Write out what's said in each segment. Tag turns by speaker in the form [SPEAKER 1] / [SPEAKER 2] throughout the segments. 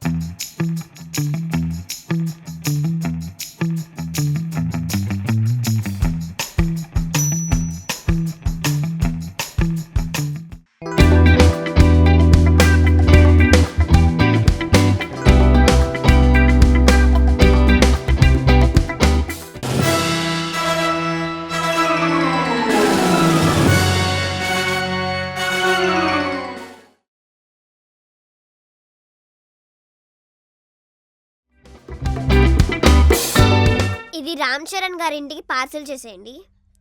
[SPEAKER 1] ఇది రామ్ చరణ్ గారి ఇంటికి పార్సల్ చేసేయండి.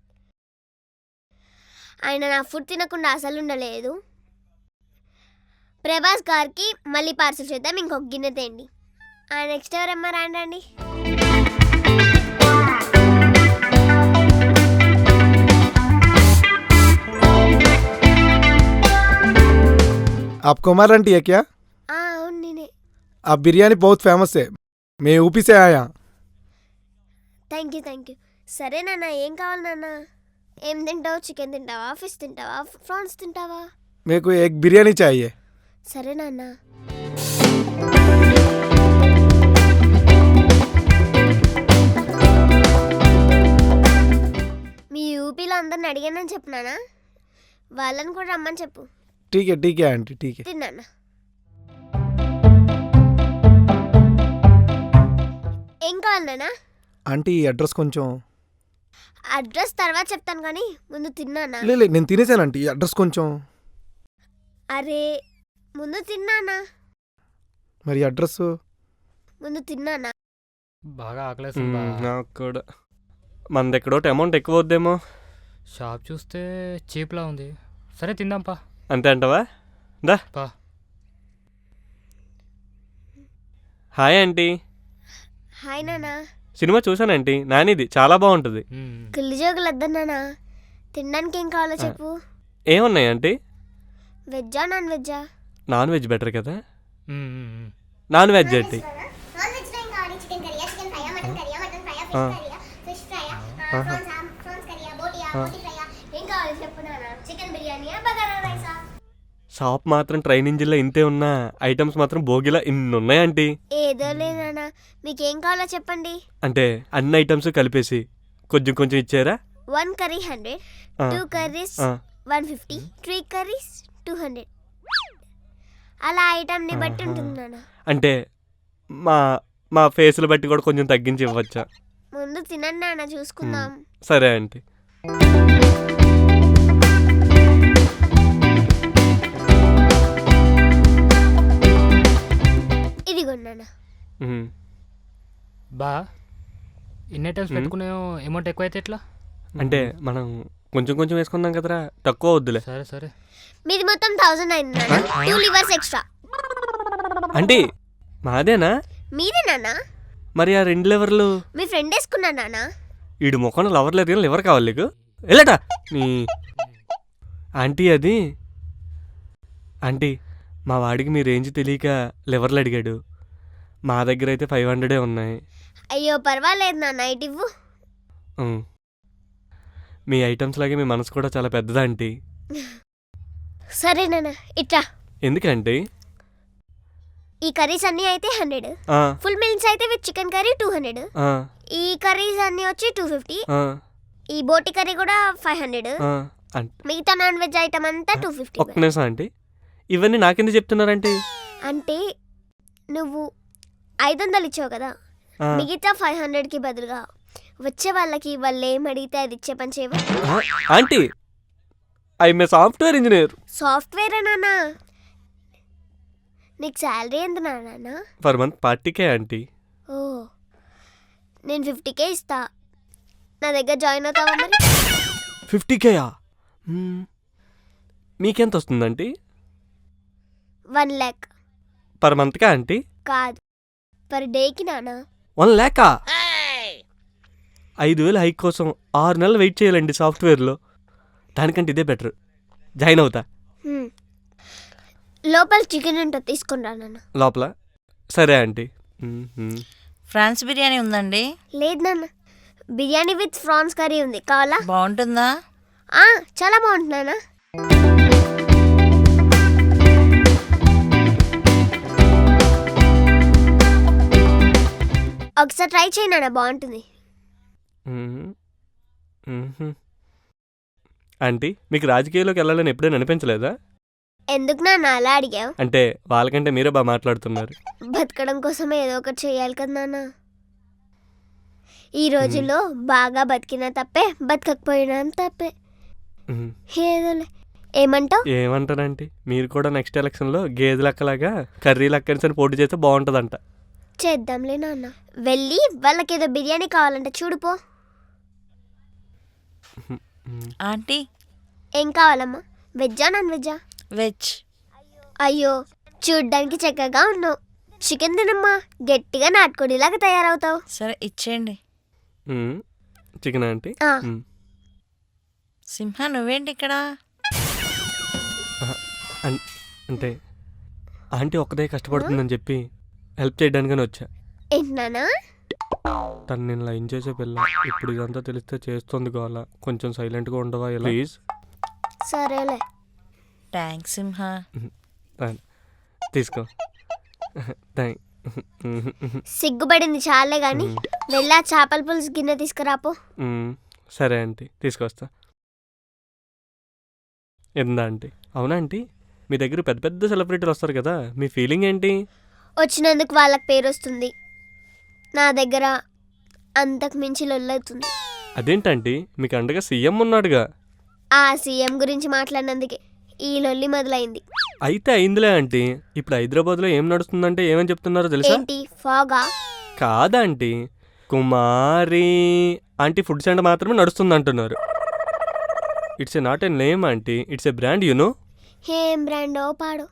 [SPEAKER 1] ఆయన నా ఫుడ్ తినకుండా అసలు ఉండలేదు. ప్రభాస్ గారికి మళ్ళీ పార్సల్ చేద్దాం, ఇంకొక గిన్నె తేండి. నెక్స్ట్ ఎవరమ్మా రాండి.
[SPEAKER 2] आप कुमार आंटी है क्या?
[SPEAKER 1] అవును నేనే.
[SPEAKER 2] आप बिरयानी बहुत फेमस है, मैं यूपी से आया.
[SPEAKER 1] Thank you. సరే నాన్న, ఏం కావాలి నాన్న? ఏం తింటావు? చికెన్ తింటావా, ఫిష్ తింటావా, ప్రాన్స్ తింటావా?
[SPEAKER 2] मेरे को एक बिरयानी चाहिए.
[SPEAKER 1] సరే నాన్న. మీ యూపీలో అందరిని అడిగానని చెప్పినానా? వాళ్ళని కూడా రమ్మని చెప్పు.
[SPEAKER 2] ठीक है आंटी, ठीक है.
[SPEAKER 1] తిన్నానా? ఏం కావాలి నాన్న?
[SPEAKER 2] ఆంటీ అడ్రస్ కొంచెం.
[SPEAKER 1] అడ్రస్ తర్వాత చెప్తాను కానీ ముందు తిన్నానా?
[SPEAKER 2] లే నేను తినేసాను ఆంటీ, అడ్రస్ కొంచెం.
[SPEAKER 1] అరే ముందు తిన్నానా?
[SPEAKER 2] మరి అడ్రస్
[SPEAKER 1] ముందు తిన్నానా?
[SPEAKER 3] బాగా ఆకలేస్తుంది.
[SPEAKER 4] నాకు కూడా. మనది ఎక్కడో అమౌంట్ ఎక్కువ వద్దేమో.
[SPEAKER 3] షాప్ చూస్తే చీప్లా ఉంది. సరే తిందాంపా.
[SPEAKER 4] అంతే అంటావా? దా
[SPEAKER 3] పా.
[SPEAKER 4] Hi aunty.
[SPEAKER 1] హాయ్ నానా.
[SPEAKER 4] సినిమా చూసానంటీ, నానిది చాలా బాగుంటుంది.
[SPEAKER 1] కుళ్ళు జోకులు వద్దన్నానా? తినడానికి ఏం కావాలో చెప్పు.
[SPEAKER 4] ఏమున్నాయి ఆంటీ?
[SPEAKER 1] వెజ్జా నాన్ వెజ్జా?
[SPEAKER 4] నాన్ వెజ్ బెటర్ కదా. Non veg aunty. షాప్ మాత్రం ట్రైన్ ఇంజిన్లో ఇంతే ఉన్నా, ఐటమ్స్ మాత్రం భోగిలా ఇన్ని ఉన్నాయి ఆంటీ.
[SPEAKER 1] ఏదో లేనా, మీకేం కావాలో చెప్పండి.
[SPEAKER 4] అంటే అన్ని ఐటమ్స్ కలిపేసి కొంచెం కొంచెం ఇచ్చారా?
[SPEAKER 1] 1 కర్రీ 100, 2 కర్రీస్ 150, 3 కర్రీస్ 200. అలా ఐటమ్ని బట్టి ఉంటుంది నాన్న.
[SPEAKER 4] అంటే మా ఫేస్లు బట్టి కూడా కొంచెం తగ్గించి ఇవ్వచ్చా?
[SPEAKER 1] ముందు తినండి నాన్న, చూసుకుందాం.
[SPEAKER 4] సరే ఆంటీ.
[SPEAKER 1] ఇదిగోండి.
[SPEAKER 3] బా ఇన్ని ఐటమ్స్ పెట్టుకునే అమౌంట్ ఎక్కువ అయితే ఎట్లా?
[SPEAKER 4] అంటే మనం కొంచెం కొంచెం వేసుకుందాం కదరా, తక్కువ వద్దులే.
[SPEAKER 3] సరే సరే.
[SPEAKER 1] మీది మొత్తం 1000 అయింది నాన్న. 2 లివర్స్ ఎక్స్ట్రా.
[SPEAKER 4] అంటే మాదేనా?
[SPEAKER 1] మీదే నాన్న.
[SPEAKER 4] మరి ఆ 2 లివర్లు
[SPEAKER 1] మీ ఫ్రెండ్ వేసుకున్నా నాన్న.
[SPEAKER 4] వీడు ముఖంలో లవర్ లేదు కానీ లివర్ కావాలి నీకు. వెళ్ళట నీ ఆంటీ. అది ఆంటీ, మా వాడికి మీ రేంజ్ తెలియక లివర్లు అడిగాడు. మా దగ్గర అయితే 500 ఉన్నాయి.
[SPEAKER 1] అయ్యో పర్వాలేదు నాన్న, ఇటు ఇవ్వు.
[SPEAKER 4] మీ ఐటమ్స్ లాగే మీ మనసు కూడా చాలా పెద్దదా ఆంటీ.
[SPEAKER 1] సరే నాన్న, ఇట్రా.
[SPEAKER 4] ఎందుకంటే
[SPEAKER 1] ఈ కర్రీస్ అన్నీ అయితే 100, ఫుల్ మీల్స్ అయితే విత్ చికెన్ కర్రీ 200, ఈ కర్రీస్ అన్నీ వచ్చి 250, ఈ బోటి కర్రీ కూడా 500, మిగతా నాన్ వెజ్ ఐటమ్ అంతా 250.
[SPEAKER 4] ఒక్క నిమిషం ఆంటీ, ఇవన్నీ నాకెందుకు చెప్తున్నారంటే?
[SPEAKER 1] అంటే నువ్వు 500 ఇచ్చావు కదా, మిగతా 500కి బదులుగా వచ్చే వాళ్ళకి వాళ్ళు ఏం అడిగితే అది ఇచ్చే పని చేయవు
[SPEAKER 4] aunty. I'm a software engineer.
[SPEAKER 1] Software నాన్న. నీకు శాలరీ ఎంత నాన్న?
[SPEAKER 4] Per month 40K aunty.
[SPEAKER 1] ఓ, నేను 50K ఇస్తా. నా దగ్గర జాయిన్ అవుతావా మరి?
[SPEAKER 4] 50Kయా? మీకెంత వస్తుందంటీ?
[SPEAKER 1] 1 lakh.
[SPEAKER 4] పర్ మంత్కా ఆంటీ?
[SPEAKER 1] కాదు, పర్ డేకి నాన్న.
[SPEAKER 4] 1 lakh? 5,000 హైక్ కోసం 6 నెలలు వెయిట్ చేయాలండి సాఫ్ట్వేర్లో. దానికంటే ఇదే బెటర్, జాయిన్ అవుతా.
[SPEAKER 1] లోపల చికెన్ ఉంటుంది, తీసుకుని రా నాన్న.
[SPEAKER 4] లోపల? సరే ఆంటీ.
[SPEAKER 5] ఫ్రాన్స్ బిర్యానీ ఉందండి?
[SPEAKER 1] లేదు నాన్న, బిర్యానీ విత్ ప్రాన్స్ కర్రీ ఉంది, కావాలా?
[SPEAKER 5] బాగుంటుందా?
[SPEAKER 1] చాలా బాగుంటుంది నాన్న. ఒకసారి ట్రై చేయి నాన్న, బాగుంటుంది.
[SPEAKER 4] ఆంటీ మీకు రాజకీయాల్లోకి వెళ్ళాలని ఎప్పుడైనా అనిపించలేదా?
[SPEAKER 1] ఎందుకు నాన్న అలా అడిగావు?
[SPEAKER 4] అంటే వాళ్ళకంటే మీరే బాగా మాట్లాడుతున్నారు.
[SPEAKER 1] బతకడం కోసం ఏదో ఒకటి చేయాలి కదా నాన్న. ఈ రోజుల్లో బాగా బతికినా తప్పే, బతకకపోయినా తప్పే.
[SPEAKER 4] మ్మ్.
[SPEAKER 1] ఏదోలే. ఏమంటావు?
[SPEAKER 4] ఏమంటారంటే మీరు కూడా నెక్స్ట్ ఎలక్షన్లో గేదె లెక్కలాగా కర్రీ లెక్కని పోటీ చేస్తే బాగుంటుందంట.
[SPEAKER 1] చేద్దాంలే నాన్న. వెళ్ళి వాళ్ళకేదో బిర్యానీ కావాలంట చూడుపో.
[SPEAKER 5] ఆంటీ
[SPEAKER 1] ఏం కావాలమ్మా? వెజ్జా నాన్ వెజ్జా?
[SPEAKER 5] వెజ్.
[SPEAKER 1] అయ్యో చూడ్డానికి చక్కగా ఉన్నావు. చికెన్ తినమ్మా, గట్టిగా నాటుకోడిలాగా తయారవుతావు.
[SPEAKER 5] సరే ఇచ్చేయండి.
[SPEAKER 4] Chicken aunty.
[SPEAKER 1] ఆ.
[SPEAKER 5] సింహ నువ్వేంటి ఇక్కడ?
[SPEAKER 4] అంటే ఆంటీ ఒక్కదే కష్టపడుతుందని చెప్పి హెల్ప్ చేయడానికని వచ్చా.
[SPEAKER 1] ఏంటి నాన్న?
[SPEAKER 4] తను నేను లైన్ చేసే పిల్ల, ఇప్పుడు ఇదంతా తెలిస్తే చేస్తుంది గోల. కొంచెం సైలెంట్గా ఉండవా ప్లీజ్?
[SPEAKER 1] సరేలే.
[SPEAKER 5] థ్యాంక్స్ సింహ.
[SPEAKER 4] తీసుకో.
[SPEAKER 1] సిగ్గుపడింది చాలే గాని వెళ్ళా చేపల పులుసు గిన్నె తీసుకురాపో.
[SPEAKER 4] సరే ఆంటీ తీసుకొస్తా. ఎందా ఆంటీ? అవునా ఆంటీ, మీ దగ్గర పెద్ద పెద్ద సెలబ్రిటీలు వస్తారు కదా, మీ ఫీలింగ్ ఏంటి?
[SPEAKER 1] వచ్చినందుకు వాళ్ళకి పేరు వస్తుంది, నా దగ్గర అంతకు మించి లొల్లవుతుంది.
[SPEAKER 4] అదేంటంటీ, మీకు అండగా సీఎం ఉన్నాడుగా.
[SPEAKER 1] ఆ సీఎం గురించి మాట్లాడినందుకే ఈ లొల్లి మొదలైంది.
[SPEAKER 4] అయితే అయిందిలే ఆంటీ. ఇప్పుడు హైదరాబాద్లో ఏం నడుస్తుందంటే ఏమని చెప్తున్నారో తెలుసా?
[SPEAKER 1] ఏంటి ఫాగా?
[SPEAKER 4] కాదా aunty, Kumari aunty food center మాత్రమే నడుస్తుంది అంటున్నారు. It's a not a name aunty, it's a brand you know.
[SPEAKER 1] ఏం బ్రాండో పాడో.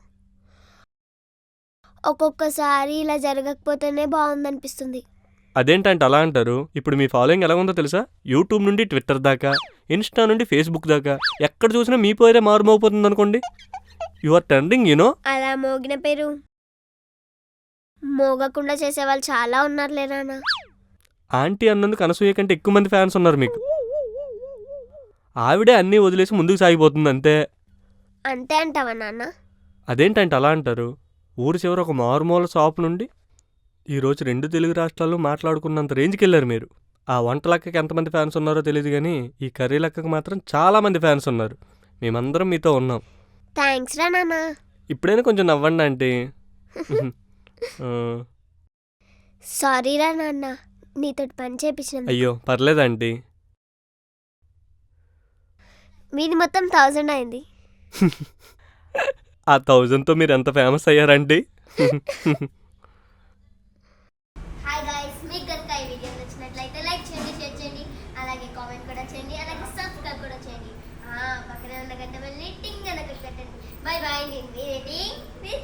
[SPEAKER 1] ఒక్కొక్కసారి ఇలా జరగకపోతేనే బాగుందనిపిస్తుంది.
[SPEAKER 4] అదేంటంటే అలా అంటారు? ఇప్పుడు మీ ఫాలోయింగ్ ఎలా ఉందో తెలుసా? యూట్యూబ్ నుండి ట్విట్టర్ దాకా, ఇన్స్టా నుండి ఫేస్బుక్ దాకా ఎక్కడ చూసినా మీ పేరే మారుమోగిపోతుంది అనుకోండి. You are trending you know.
[SPEAKER 1] అలా మోగిన పేరు మోగకుండా చేసేవాళ్ళు చాలా ఉన్నారులే నాన్న.
[SPEAKER 4] ఆంటీ అన్నందుకు అనసూయ కంటే ఎక్కువ మంది ఫ్యాన్స్ ఉన్నారు మీకు. ఆవిడే అన్నీ వదిలేసి ముందుకు సాగిపోతుంది అంతే.
[SPEAKER 1] అంతే అంటావా నాన్న?
[SPEAKER 4] అదేంటంటే అలా అంటారు? ఊరి చివర ఒక మారుమూల షాప్ నుండి ఈరోజు 2 తెలుగు రాష్ట్రాల్లో మాట్లాడుకున్నంత రేంజ్కి వెళ్ళారు మీరు. ఆ వంట లెక్కకి ఎంతమంది ఫ్యాన్స్ ఉన్నారో తెలియదు కానీ ఈ కర్రీ లెక్కకి మాత్రం చాలామంది ఫ్యాన్స్ ఉన్నారు. మేమందరం మీతో ఉన్నాం.
[SPEAKER 1] థ్యాంక్స్ రా నాన్న.
[SPEAKER 4] ఇప్పుడైనా కొంచెం నవ్వండి ఆంటీ.
[SPEAKER 1] సారీ రా నాన్న, నీతో పని చేపించిన.
[SPEAKER 4] అయ్యో పర్లేదంటీ.
[SPEAKER 1] మీది మొత్తం 1000 అయింది.
[SPEAKER 4] ఆ 1000తో మీరు ఎంత ఫేమస్ అయ్యారంటీ.
[SPEAKER 1] హాయ్ గైస్, మీకు కనుక ఈ వీడియో నచ్చినట్లయితే లైక్ చేయండి, షేర్ చేయండి, అలాగే కామెంట్ కూడా చేయండి, అలాగే సబ్స్క్రైబ్ కూడా చేయండి. పక్కనే ఉన్న గంట వెళ్ళి టింగ్ అని కట్టండి. Bye bye. నేను మీ రేటింగ్